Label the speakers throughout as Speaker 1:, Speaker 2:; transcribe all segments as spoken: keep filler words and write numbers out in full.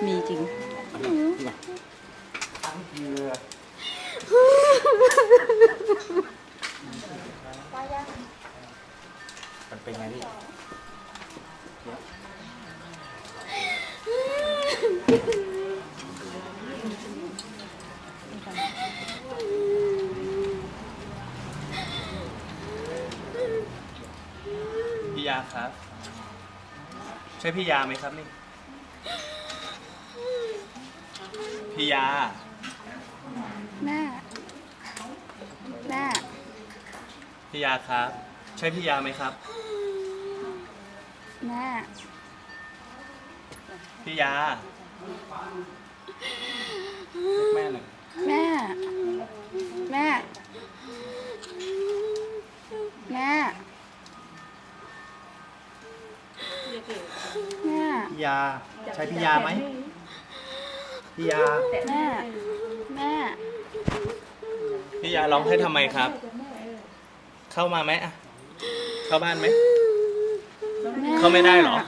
Speaker 1: มีจริง
Speaker 2: มันเป็นไงพี่พี่ยาครับใช่พี่ยาไหมครับนี่พี่ยา
Speaker 3: แม่แม่
Speaker 2: พี่ยาครับใช่พี่ยาไหมครับ
Speaker 3: แม่
Speaker 2: พี่ยาแม่หนึ่ง
Speaker 3: แม่แม่แม่แม่
Speaker 2: พี่ยาใช่พี่ยาไหมพี่ยา
Speaker 3: แม่แม่
Speaker 2: พี่ยาร้องให้ทำไมครับเข้ามาไหมอะเข้าบ้านไหมเข้าไม่ได้หรอ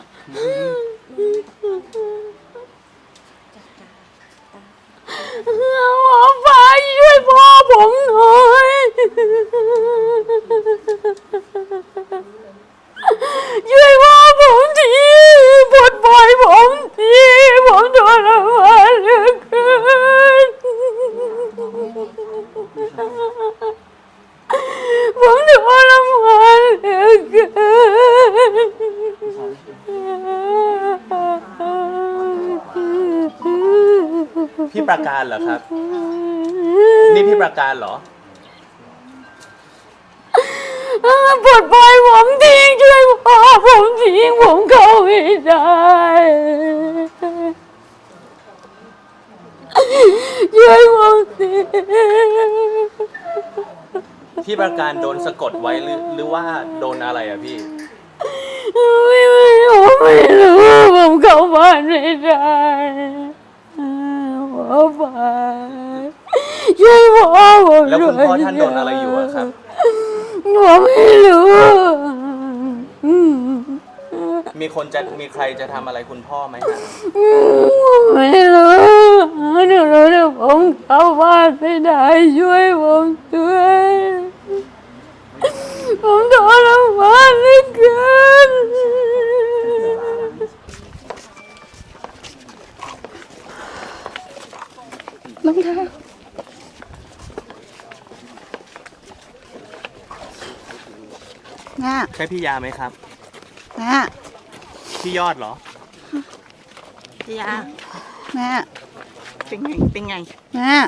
Speaker 3: หมอปลาช่วยพ่อผมหน่อยช่วยพ่อผมทีปลดปล่อยผมทีผมทรมานเหลือเกินผมทรมานเหลือเกิน
Speaker 2: พี่ประการเหรอครับนี่พี่ประการเหรอ
Speaker 3: ปลดปล่อยผมทิ้งช่วยพ่อผมทิ้งผมเข้าไม่ได้ช่วยผมที
Speaker 2: พี่ประการโดนสะกดไว้หรือหรือว่าโดนอะไรอะพี่
Speaker 3: ไม่ไม่ผมไม่รู้ผมเข้าบ้านไม่ได้หมอปลาช่วยพ่อผม
Speaker 2: แล้วคุณพ่อท่านโดนอะไรอยู่อะครับ
Speaker 3: ผมไม่รู้
Speaker 2: มีคนจะมีใครจะทำอะไรคุณพ่อไหมฮะ
Speaker 3: ไม่รู้หนูรู้แต่ผมเข้าบ้านไม่ได้ช่วยผมด้วยผมทรมานเหลือเกินน้องเท้าน่ะ
Speaker 2: ใช่พี่ยาไหมครับ
Speaker 3: น่ะ
Speaker 2: พี่ยอดเหรอ
Speaker 1: พี่ยา
Speaker 3: น่ะ
Speaker 1: เป็นไงเป็นไง
Speaker 3: น่ะ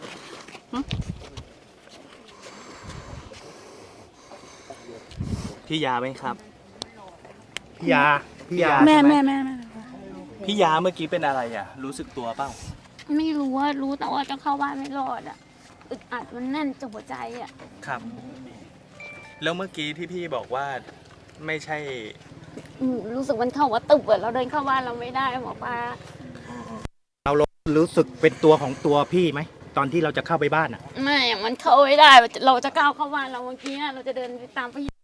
Speaker 2: พี่ยาไหมครับพี่ยาพี่ยา
Speaker 3: แม่แม่แม่แม่
Speaker 2: พี่ยาเมื่อกี้เป็นอะไรอ่ะรู้สึกตัวเปล่า
Speaker 3: ไม่รู้ว่ารู้แต่ว่าจะเข้าบ้านไม่รอดอ่ะอึดอัดมันแน่นจับหัวใจอ่ะ
Speaker 2: ครับแล้วเมื่อกี้ที่พี่บอกว่าไม่ใช่
Speaker 3: รู้สึกมันเข้าว่าตึบอะเราเดินเข้าบ้านเราไม่ได้หมอปลา
Speaker 4: เรารู้สึกเป็นตัวของตัวพี่ไหมตอนที่เราจะเข้าไปบ้านอ่ะ
Speaker 3: ไม่มันเข้าไม่ได้เราจะก้าวเข้าบ้านเราเมื่อกี้เราจะเดินไปตามพี่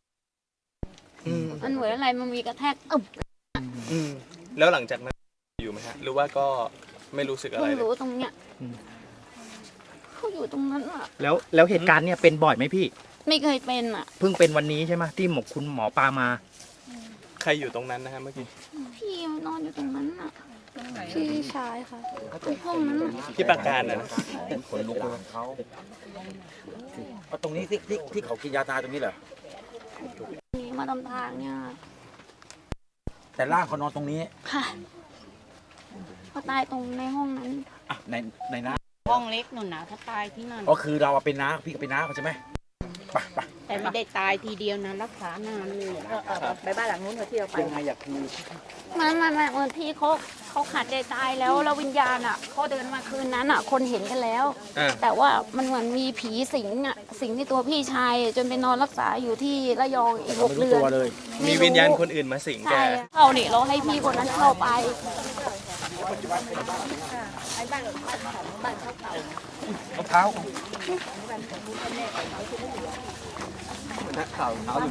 Speaker 3: มันเหมือนอะไรมันมีกระแทกอึบ
Speaker 2: แล้วหลังจากนั้นอยู่ไหมฮะหรือว่าก็ไม่รู้สึกอะไรเลย
Speaker 3: รู้ตรงเนี้ยเขาอยู่ตรงนั้นอ่ะ
Speaker 4: แล้วแล้วเหตุการณ์เนี่ยเป็นบ่อยไหมพี่
Speaker 3: ไม่เคยเป็นอ่ะ
Speaker 4: เพิ่งเป็นวันนี้ใช่ไหมที่หมกคุณหมอปลามา
Speaker 2: ใครอยู่ตรงนั้นนะฮะเมื่อกี้
Speaker 3: พี่นอนอยู่ตรงนั้นอ่ะพี่ชายค่ะห้องนั้น
Speaker 2: พี่ประการนะ
Speaker 5: คนลุกเลยเขาเอาตรงนี้ที่ที่ที่เขากินยาตายตรงนี้เหรอ
Speaker 3: มาทำทางเนี่ย
Speaker 5: แต่ร่างเขานอนตรงนี้
Speaker 3: ค่ะเขาตายตรงในห้องนั้น
Speaker 5: อ่ะในในน้า
Speaker 1: ห้องเล็กหนุนหนาถ้าตายที่นั่น
Speaker 5: ก็คือเราเป็นน้าพี่ก็เป็นน้าเขาใช่ไหมไปไป
Speaker 1: แต่ไม่ได้ตายทีเดียวนะรักษานานเลยไปบ้านหลังนู้นเถอะที่เราไป
Speaker 5: ยังไงอยากคือ
Speaker 3: มันมันมันเหมือนพี่เขาเขาขาดใจตายแล้วแล้ววิญญาณอ่ะเขาเดินมาคืนนั้นอ่ะคนเห็นกันแล้วแต่ว่ามันเหมือนมีผีสิงอ่ะสิงที่ตัวพี่ชายจนไปนอนรักษาอยู่ที่ระยองอีกหกเดือน
Speaker 2: มีวิญญาณคนอื่นมาสิงแก
Speaker 3: เข้าเนี่ยเราให้พี่คนนั้นเข้าไป
Speaker 5: รองเท้า
Speaker 2: นักข่าวเท้า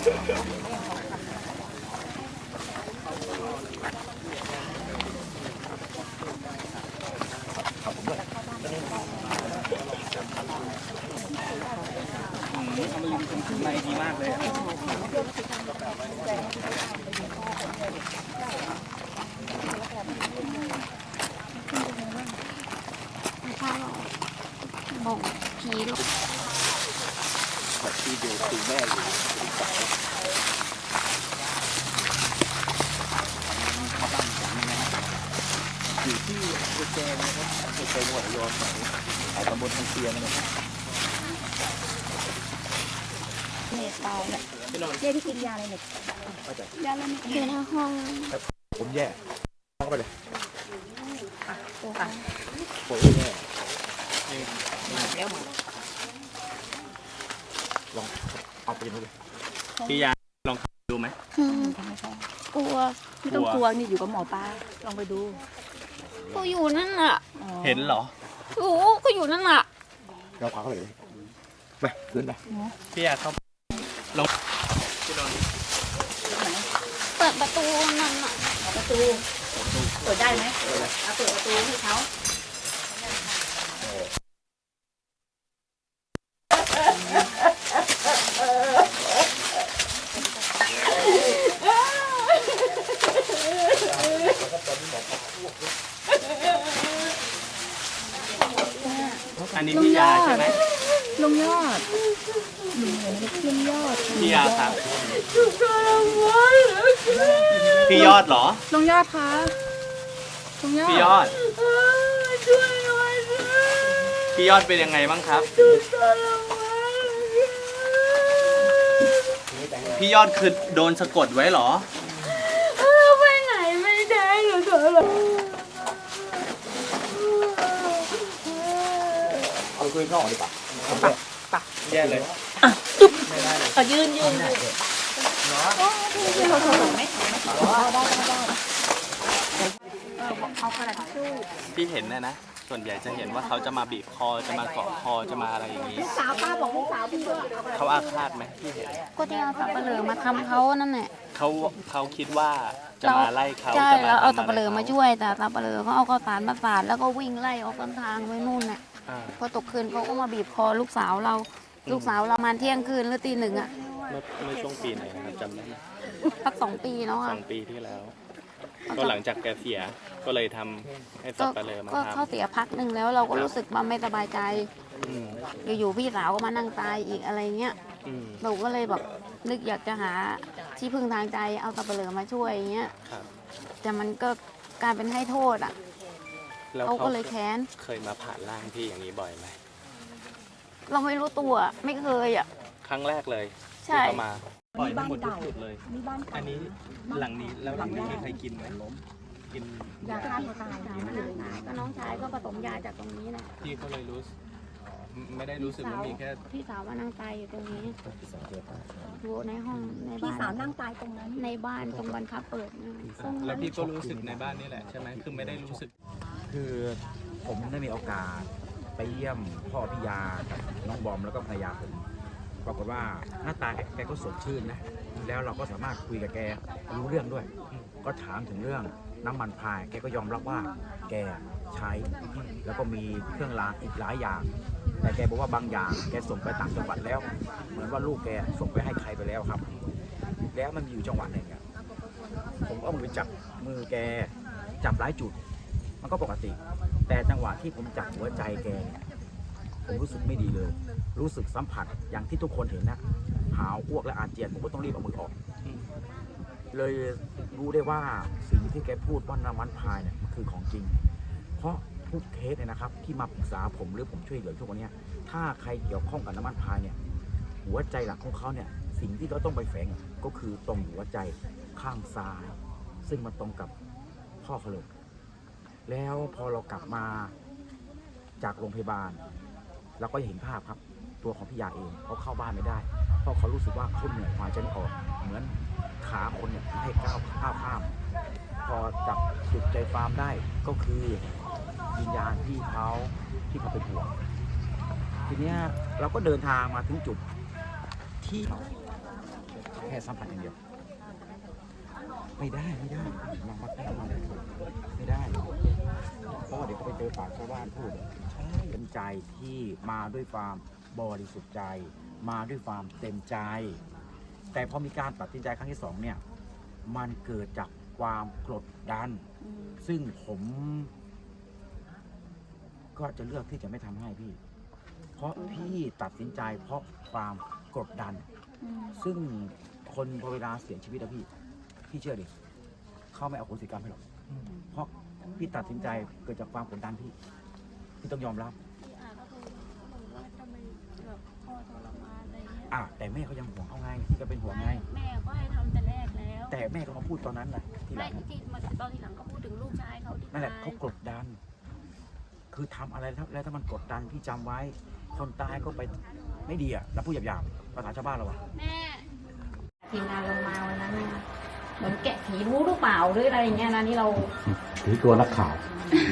Speaker 2: อยู่
Speaker 3: ลูก
Speaker 5: ที่ดูคือแม่อยู่อยู่ที่อำเภอแกลงนะครับอำเภอแกลงจังหวัดระยองไอ้ตำบลทางเชียงนะครับ
Speaker 1: เนี่ยตายเนี่ยเนี่ยที่กินยาอะไรเนี่ยยาอะไรเนี่ย
Speaker 3: อยู่ในห้อง
Speaker 5: ผมแย่เข้าไปเลย
Speaker 1: อ่ะอ่ะ
Speaker 5: ผมแย่
Speaker 1: มาแล้วมา
Speaker 5: ลองเอาไปดูเลย
Speaker 2: พี่ยาลองดูไหม
Speaker 3: อืม
Speaker 1: ทำไมใช่
Speaker 3: กลัว
Speaker 1: ไม่ต้องกลัวนี่อยู่กับหมอปลาลองไปดู
Speaker 3: ก็อยู่นั่นน่ะ
Speaker 1: อ๋อ
Speaker 2: เห็นเหรอ
Speaker 3: โอ้ก็อยู่นั่นน่ะ
Speaker 5: เราพาเข้าไปเลยไปขึ้นไป
Speaker 2: พี่ยาเข้าลองพี่นนท์
Speaker 3: เปิดประตูนั่นน่ะ
Speaker 1: ประตูเปิดได้ไหมเอาเปิดประตูให้เขา
Speaker 2: อันนี้พี่ยาใช่ไหม
Speaker 1: ลุงยอดลุงลุงยอด
Speaker 2: พี่ยาครับพี่ยอดเหรอ
Speaker 1: ลุงยอดคะลุงยอด
Speaker 2: พี่ยอด พี่ยอดเป็นยังไงบ้างครับ พี่ยอดคือโดนสะกดไว้เหรอ
Speaker 3: ไปไหนไม่ได้หนูเถอะ
Speaker 5: เอาคุยข้างนอกดีกว่า
Speaker 2: แย่เลย
Speaker 1: เออยืนยืนยืนยืนเราถอดไหมได้ได้ได้เอากระดาษทิชชู่
Speaker 2: พี่เห็นนะนะ ส่วนใหญ่จะเห็นว่าเขาจะมาบีบคอ จะมาเกาะคอ จะมาอะไรอย่างนี้
Speaker 1: สาวป้าบอกลูกสาวพี่ด้วย
Speaker 2: เขาอาฆาตไหมพี่เห็น
Speaker 3: ก็ที่เอาสับปะเหร่อมาทำเขานั่นแหละ
Speaker 2: เขาเขาคิดว่าจะมาไล่เขา
Speaker 3: ใช่
Speaker 2: จะมา
Speaker 3: แล้วเอา
Speaker 2: ทำ
Speaker 3: สับปะเหร่อมาช่วย แต่สับปะเหร่อเขาเอาข้าวสารมาสาดแล้วก็วิ่งไล่ออกต้นทางไปนู่นน่ะ
Speaker 2: อ่า
Speaker 3: พอตกคืนเขาก็มาบีบคอลูกสาวเรา ลูกสาวเรามาเที่ยงคืนหรือตีหนึ่งอ่ะ
Speaker 2: เมื่อเมื่อช่วงปีไหนนะครับจำได้ไหม
Speaker 3: พักสองปีแล้ว
Speaker 2: ส
Speaker 3: อ่ะ
Speaker 2: องปีที่แล้ว ก็หลังจากแกเสีย ก็เลยทำให้สั
Speaker 3: ก็
Speaker 2: บปะเลอมา
Speaker 3: ก็
Speaker 2: ท
Speaker 3: เขาเสียพักหนึ่งแล้วเราก็รู้สึกว่าไม่สบายใจ
Speaker 2: ำอืม
Speaker 3: อยู่ๆพี่สาวก็มานั่งตายอีกอะไรเงี้ย
Speaker 2: อืม
Speaker 3: เราก็เลยแบบนึกอยากจะหาที่พึ่งทางใจเอาสับปะเหร่อมาช่วยอย่างเงี้ย
Speaker 2: ครับ
Speaker 3: แต่มันก็กลายเป็นให้โทษอ่ะ
Speaker 2: แล้ว
Speaker 3: เขา
Speaker 2: เขา
Speaker 3: ก็เลยแค้น
Speaker 2: เคยมาผ่านร่างพี่อย่างนี้บ่อยไหม
Speaker 3: เราไม่รู้ตัวไม่เคยอ่ะ
Speaker 2: ครั้งแรกเลย
Speaker 3: ใช่
Speaker 2: ที่เขามาปล่อยทั้งหมดทุกจุดเลย
Speaker 1: นี่บ้าน
Speaker 2: อันนี้หลังนี้แล้วหลังนี้มีใครกินไหมกิน
Speaker 1: ยาฆ่าตัวตาย
Speaker 3: สาวมานั่งตายก็น้องชายก็ผสมยาจากตรงนี้แหละ
Speaker 2: พี่ก็เลยรู้สึกไม่ได้รู้สึกว่ามีแค่
Speaker 3: พี่สาวมานั่งตายอยู่ตรงนี้อยู่ในห้องใน
Speaker 1: พี่
Speaker 3: บ้าน
Speaker 1: สาวนั่งตายตรงนั้น
Speaker 3: ในบ้านตรงบรรพับเปิดนะตรง
Speaker 2: แล้ว
Speaker 3: นั้น
Speaker 2: พี่ก็รู้สึกในบ้านนี่แหละใช่ไหมคือไม่ได้รู้สึก
Speaker 5: คือผมได้มีโอกาสไปเยี่ยมพ่อพิยากับน้องบอมแล้วก็ภรรยาผมปรากฏว่าหน้าตาแกแกก็สดชื่นนะแล้วเราก็สามารถคุยกับแกรู้เรื่องด้วย ก็ถามถึงเรื่องน้ำมันพรายแกก็ยอมรับว่าแกใช้แล้วก็มีเครื่องรางอีกหลายอย่าง แต่แกบอกว่าบางอย่างแกส่งไปต่างจังหวัดแล้ว เหมือนว่าลูกแกส่งไปให้ใครไปแล้วครับ แล้วมันมีอยู่จังหวัดหนึ่งอะผมก็เอามือไปจับมือแกจับหลายจุด มันก็ปกติ แต่จังหวะที่ผมจับหัวใจแกเนี่ยผมรู้สึกไม่ดีเลย รู้สึกสัมผัสอย่างที่ทุกคนเห็นนะหาวอ้วกและอาเจียนผมก็ต้องรีบเอามือออก เลยรู้ได้ว่าสิ่งที่แกพูดว่าน้ำมันพายเนี่ยมันคือของจริง เพราะทุกเคสเนี่ยนะครับที่มาปรึกษาผมหรือผมช่วยเหลือทุกวันนี้ถ้าใครเกี่ยวข้องกับน้ำมันพายเนี่ยหัวใจหลักของเขาเนี่ยสิ่งที่เราต้องไปแฝงก็คือตรงหัวใจข้างซ้าย ซึ่งมันตรงกับพ่อเขาเลยแล้วพอเรากลับมาจากโรงพยาบาลเราก็เห็นภาพครับตัวของพี่ยาเองเขาเข้าบ้านไม่ได้เพราะเขารู้สึกว่าเขาเหนื่อยหายใจไม่ออกเหมือนขาคนเนี่ยไม่ให้ก้าวข้าวข้าม พอจับจุดใจฟาร์มได้ก็คือวิญญาณพี่เขาที่เขาเป็นห่วงทีเนี้ยเราก็เดินทางมาถึงจุดที่เขาแค่สัมผัสอย่างเดียวไม่ได้ไม่ได้มามาแค่มาไม่ได้เพราะว่าเดี๋ยวเขาไปเจอปากชาวบ้านพูดใช่เป็นใจที่มาด้วยความบริสุทธิ์ใจ มาด้วยความเต็มใจ แต่พอมีการตัดสินใจครั้งที่สองเนี่ยมันเกิดจากความกดดัน ซึ่งผมก็จะเลือกที่จะไม่ทำให้พี่เพราะพี่ตัดสินใจเพราะความกดดัน ซึ่งคนพอเวลาเสียชีวิตอะพี่พี่เชื่อดิเขาไม่เอาโหสิกรรมให้หรอกเพราะพี่ตัดสินใจเกิดจากความกดดันพี่พี่ต้องยอมรับ
Speaker 3: พี่อาก็คือว่าทำไมแบบพ่อทรมานอะไรเงี้ย
Speaker 5: อ่ะแต่แม่เขายังห่วงเขาไงพี่ก็เป็นห่วงไง
Speaker 3: แม่ก็ให้ทำแต่แรกแล้ว
Speaker 5: แต่แม่ก็มาพูดตอนนั้นแหละทีห
Speaker 3: ไม่
Speaker 5: ลัง
Speaker 3: ที่มาตอนทีหลังก็พูดถึงลูกชายเขาที่
Speaker 5: นั่นแหละ
Speaker 3: ตาย
Speaker 5: เขากดดัน คือทำอะไรแล้วถ้ามันกดดันพี่จำไว้คนตายก็ไปไม่ดีอ่ะแล้วพูดหยาบๆภาษาชาวบ้านเราอ่ะ
Speaker 3: แม่ทีมงานลงมาวันนั้นน่ะเหมือนแกะผีรู้หรือเปล่าหรืออะไรอย่างเงี้ยนะที่เรา
Speaker 5: ถือตัวนักข่าว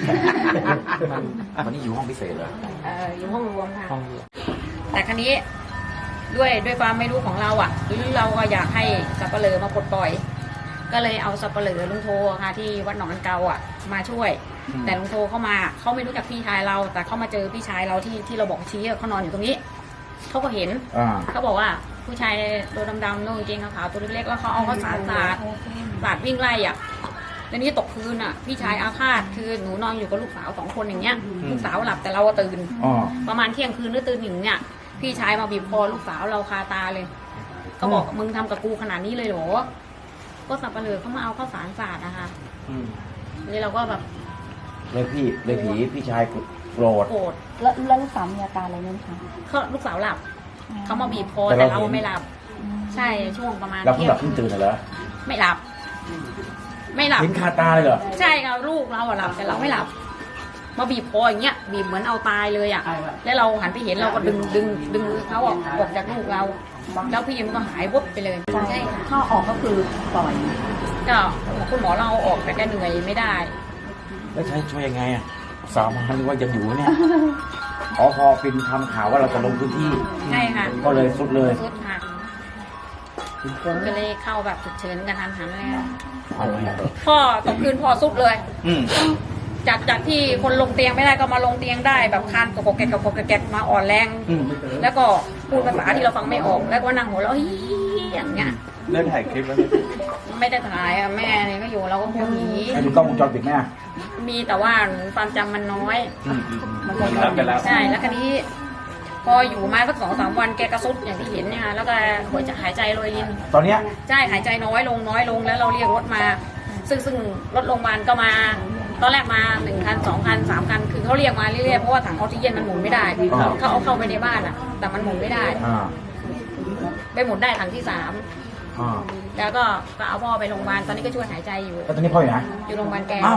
Speaker 5: วันนี้อยู่ห้องพิเศษเหรอ
Speaker 3: เอ่ออยู่ห้องรวมค่ะแต่ครั้นี้ด้วยด้วยความไม่รู้ของเราอ่ะหรือเราก็อยากให้สับปะเลอมาปลดปล่อย ก็เลยเอาสับปะเลอลุงโทค่ะที่วัดหนองกันเกาอ่ะมาช่วย แต่ลุงโทเข้ามาเขาไม่รู้จักพี่ชายเรา แต่เขามาเจอพี่ชายเราที่ที่เราบอกชี้เขานอนอยู่ตรงนี้เขาก็เห็น
Speaker 5: อ่า
Speaker 3: เขาบอกว่าผู้ชายตัวดำๆนุ่งกางเกงขาวๆตัวเล็กๆแล้วเขาเอาข้าวสารสาดสาดวิ่งไล่อ่ะแล้วนี่ตกคืนอ่ะพี่ชายอาฆาตคือหนูนอนอยู่กับลูกสาวสองคนอย่างเงี้ยลูกสาวหลับแต่เราตื่น
Speaker 5: อ๋อ
Speaker 3: ประมาณเที่ยงคืนหรือตื่นหนึ่งเนี่ยพี่ชายมาบีบคอลูกสาวเราคาตาเลยเขาบอกมึงทำกับกูขนาดนี้เลยเหรอก็สับปะเลอเขามาเอาข้าวสารสาดนะคะนี่เราก็แบบ
Speaker 5: เลยพี่เลยผีพี่ชายโกรธ
Speaker 3: โกรธ
Speaker 1: แล้วแล้วลูกสาวมีอาการอะไรไหมคะ
Speaker 3: เขาลูกสาวหลับเขามาบีบคอ
Speaker 5: แต่
Speaker 3: แต่
Speaker 5: เรา
Speaker 3: เรา
Speaker 5: เห็น
Speaker 3: ไม่หลับ ใช่ช่วงประมาณ
Speaker 5: เราเพิ่ง
Speaker 3: เที่ย
Speaker 5: หลั
Speaker 3: ง
Speaker 5: บเพิ่งตื่นเหรอ
Speaker 3: ไม่หลับ ไม่หลับ
Speaker 5: เห็นคาตาเลยเหรอ
Speaker 3: ใช่ค่ะลูกเราอะหลับแต่เราไม่หลับ มาบีบคออย่างเงี้ยบีบเหมือนเอาตายเลยอะแล้วเราหันไปเห็นเราก็ดึงดึงดึงมือเขาออกออกจากลูกเรา แล้วพี่มันก็หายวุบไปเลยใช่ค่ะ
Speaker 1: ถ้าออกก็คือปล่อย
Speaker 3: ก็คุณหมอเราเอาออกแต่แกเหนื่อยไม่ได้
Speaker 5: แล้วใช้ช่วยยังไงอ่ะสามพันว่ายังอยู่เนี่ยอ๋อพอเป็นทำข่าวว่าเราจะลงพื้นที่
Speaker 3: ใช่ค่ะ
Speaker 5: ก็เลยสุดเลย
Speaker 3: สุดค่ะก็เลยเข้าแบบฉุกเฉินกันทันหันเลยอะพ่อตกคืนพ่อสุดเลย
Speaker 2: อืม
Speaker 3: จากจากที่คนลงเตียงไม่ได้ก็มาลงเตียงได้แบบคานกระโกกแกะกระโกกแกะมาอ่อนแรง
Speaker 2: อืม
Speaker 3: แล้วก็พูดภาษาที่เราฟังไม่ออก แล้วก็นั่งหัวเราะฮิอย่างเงี้ย
Speaker 2: ได้ถ่ายคลิปแล้วไหม
Speaker 3: ไม่ได้ถ่ายอะแม่เนี่ยก็อยู่เราก็กลัวผี
Speaker 5: ให้ดูกล้องวงจรปิดไหมอ่ะ
Speaker 3: มีแต่ว่าหนูความจำมันน้อย
Speaker 2: อืมอืมอืมรับไปแล้ว
Speaker 3: ใช่แล้วคราวนี้ พออยู่มาสักสองสามวันแกกระซุดอย่างที่เห็นเนี่ยค่ะแล้วก็หัวใจหายใจโรยริน
Speaker 5: ตอนเนี้ย
Speaker 3: ใช่หายใจน้อยลงน้อยลงแล้วเราเรียกรถมา ซึ่งซึ่งรถโรงพยาบาลก็มา ตอนแรกมาหนึ่งคันสองคันสามคันคือเขาเรียกมาเรื่อยๆเพราะว่าถังออกซิเจนมันหมุนไม่ได้เขาเอาเข้าไปในบ้านอ่ะ แต่มันหมุนไม่ได้
Speaker 5: อ่า
Speaker 3: ไปหมุนได้ถังที่สาม
Speaker 5: อ่า
Speaker 3: แล้วก็ก็เอาพ่อไปโรงพยาบาลตอนนี้ก็ช่วยหายใจอยู่
Speaker 5: แล้วตอนนี้พ่ออยู่ไหน
Speaker 3: อยู่โรงพยาบาลแก
Speaker 5: อ้าว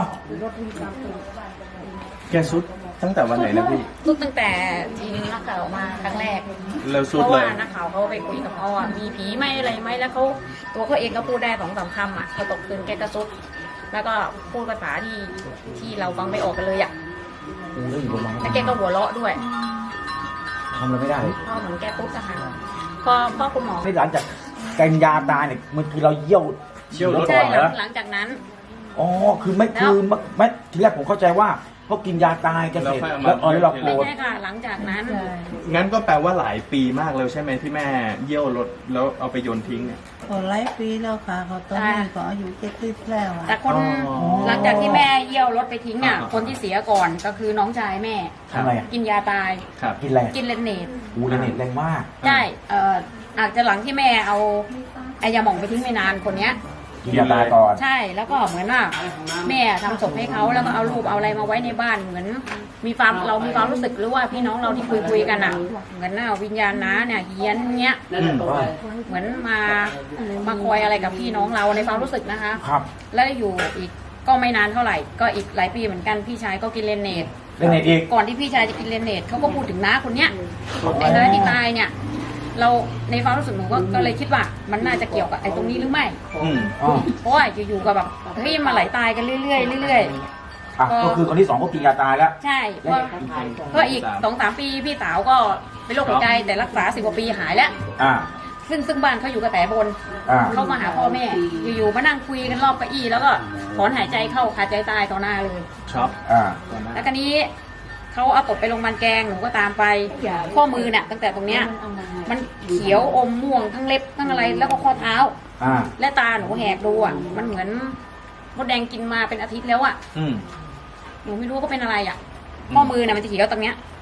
Speaker 2: แกสุดตั้งแต่วันไหนนะพี่
Speaker 3: ทุกตั้งแต่ทีนึงนักข่าวมาครั้งแรก
Speaker 2: แล้วสุด
Speaker 3: เพราะ
Speaker 2: เล
Speaker 3: ว่าย นักข่าวเขาไปคุยกับพ่ออะมีผีไหมอะไรไหมแล้วเขาตัวเขาเองก็พูดได้สองสามคำอ่ะพอตกคืนแกก็ซุดแล้วก็พูดภาษาที่ที่เราฟังไม่ออกกันเลยอ่ะ
Speaker 5: กูได้อยู่โรงพยาบาล
Speaker 3: แล้วแกก็หัวเราะด้วย
Speaker 5: ทำอะไรไม่ได้เลย
Speaker 3: พ่อเหมือนแกปุ๊บอะค่ะพอพ่อคุณหมอ
Speaker 5: ไม่หลังจากกินยาตายเนี่ยมันคือเราเยี่ยว
Speaker 2: เยี่ยวรถ
Speaker 3: ใช่
Speaker 5: ก่อน
Speaker 3: ห
Speaker 5: เหร
Speaker 3: ลั
Speaker 5: อง
Speaker 3: หลังจากนั้น
Speaker 5: อ๋อคือไม่คือไม่ไม่ทีแรกผมเข้าใจว่าเพราะกินยาตายกันเสร็จแล้วอ๋อแล้วเราโกร
Speaker 3: ไม่
Speaker 5: ธ
Speaker 3: ใช่ค่ะ หลังจากนั้น
Speaker 2: งั้นก็แปลว่าหลายปีมากแล้วใช่ไหมที่แม่เยี่ยวรถแล้วเอาไปโยนทิ้งเนี่ย
Speaker 1: ก็หลายปีแล้วค่ะเขาตอนนี้ก็อายุเจ็ดสิบแล้วอะ
Speaker 3: แต่คน
Speaker 2: อ๋อ
Speaker 3: หลังจากที่แม่เยี่ยวรถไปทิ้งอ่ะ
Speaker 2: อ่า
Speaker 3: คนที่เสียก่อนก็คือน้องชายแม่
Speaker 5: ทำไมอ่ะ
Speaker 3: กินยาตาย
Speaker 2: ครับ
Speaker 5: กินอะไร
Speaker 3: กินเลนเนต
Speaker 5: อูเรเนตแรงมาก
Speaker 3: ใช่เอ่ออาจจะหลังที่แม่เอาไอยาหม่องไปทิ้งไม่นานคนเนี้ย
Speaker 5: กินยาตายก่อน
Speaker 3: ใช่แล้วก็เหมือนว่าแม่ทำศพให้เขาแล้วก็เอารูปเอาอะไรมาไว้ในบ้านเหมือน มีความเรามีความรู้สึกหรือว่าพี่น้องเราที่คุยคุยๆกันอ่ะเหมือนน่ะวิญญาณน้าเนี่ยเฮียนเงี้ย
Speaker 2: อืม
Speaker 3: เหมือนมามาคอยอะไรกับพี่น้องเราในความรู้สึกนะคะ
Speaker 5: ครับ
Speaker 3: แล้วอยู่อีกก็ไม่นานเท่าไหร่ ก็อีกหลายปีเหมือนกันพี่ชายก็กินเลนเนต
Speaker 5: เรเนตอีก
Speaker 3: ก่อนที่พี่ชายจะกินเลนเนตเขาก็พูดถึงน้าคนเนี้ยไอ้น้าที่ตายเนี่ย เราในความรู้สึกหนูก็ก็เลยคิดว่ามันน่าจะเกี่ยวกับไอ้ตรงนี้หรือไม่
Speaker 2: อืม
Speaker 5: อ๋อ
Speaker 3: เพราะว่าอยู่ๆก็แบบเฮ้ยมาไหลตายกันเรื่อยๆเรื่อย
Speaker 5: อ่ะก็คือคนที่สองก็กินยาตายแล้ว
Speaker 3: ๆ ใช่เพราะก็อีกสองสามปีพี่สาวก็เป็นโรคหัวใจแต่รักษาสิบกว่าปีหายแล้ว
Speaker 5: อ่า
Speaker 3: ซึ่งซึ่งบ้านเขาอยู่กระแสบน
Speaker 5: อ่า
Speaker 3: เขามาหาพ่อแม่ อยู่ๆมานั่งคุยกันรอบเก้าอี้แล้วก็ถอนหายใจเข้าขาดใจตายต่อหน้าเลย
Speaker 2: ช็อป
Speaker 5: อ่า
Speaker 3: แล้วคราวนี้เขาเอาตบไปโรงพยาบาลแกงหนูก็ตามไปข้อมือเนี่ยตั้งแต่ตรงเนี้ยมันเขียวอมม่วงทั้งเล็บทั้งอะไรแล้วก็ข้อเท้า
Speaker 5: อ่า
Speaker 3: และตาหนูแหกดูอ่ะมันเหมือนมดแดงกินมาเป็นอาทิตย์แล้วอ่ะ
Speaker 2: อืม
Speaker 3: หนูไม่รู้ก็เป็นอะไรอ่ะข้อมือเนี่ยมันจะเขียวตรงเนี้ย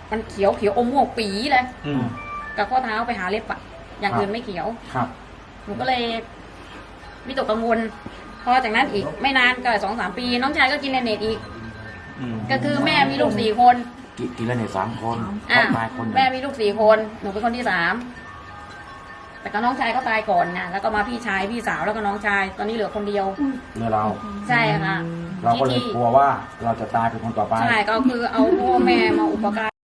Speaker 3: มันเขียวเขียวอมม่วงปีเลย
Speaker 2: อืม
Speaker 3: กับข้อเท้าไปหาเล็บอะอย่างอื่นไม่เขียว
Speaker 5: ครับ
Speaker 3: หนูก็เลยวิตกกังวลพอจากนั้นอีกไม่นานก็สองสามปี น้องชายก็กินเลนเนตอีก
Speaker 2: อืม
Speaker 3: ก็คือแม่มีลูกสี่คน
Speaker 5: กิกินแล้วเนี่ยสามคน
Speaker 3: อ่ะ
Speaker 5: ตายคนหนึ่ง
Speaker 3: แม่มีลูกสี่คนหนูเป็นคนที่สามแต่ก็น้องชายก็ตายก่อนไงแล้วก็มาพี่ชายพี่สาวแล้วก็น้องชายตอนนี้เหลือคนเดียว
Speaker 5: เมื่อเรา
Speaker 3: ใช่ค่ะ
Speaker 5: เราก็เลย
Speaker 3: ที่
Speaker 5: กลัวว่าเราจะตายเป็นคนต่อไป
Speaker 3: ใช่ก็คือเอาพ่อแม่มาอุปการ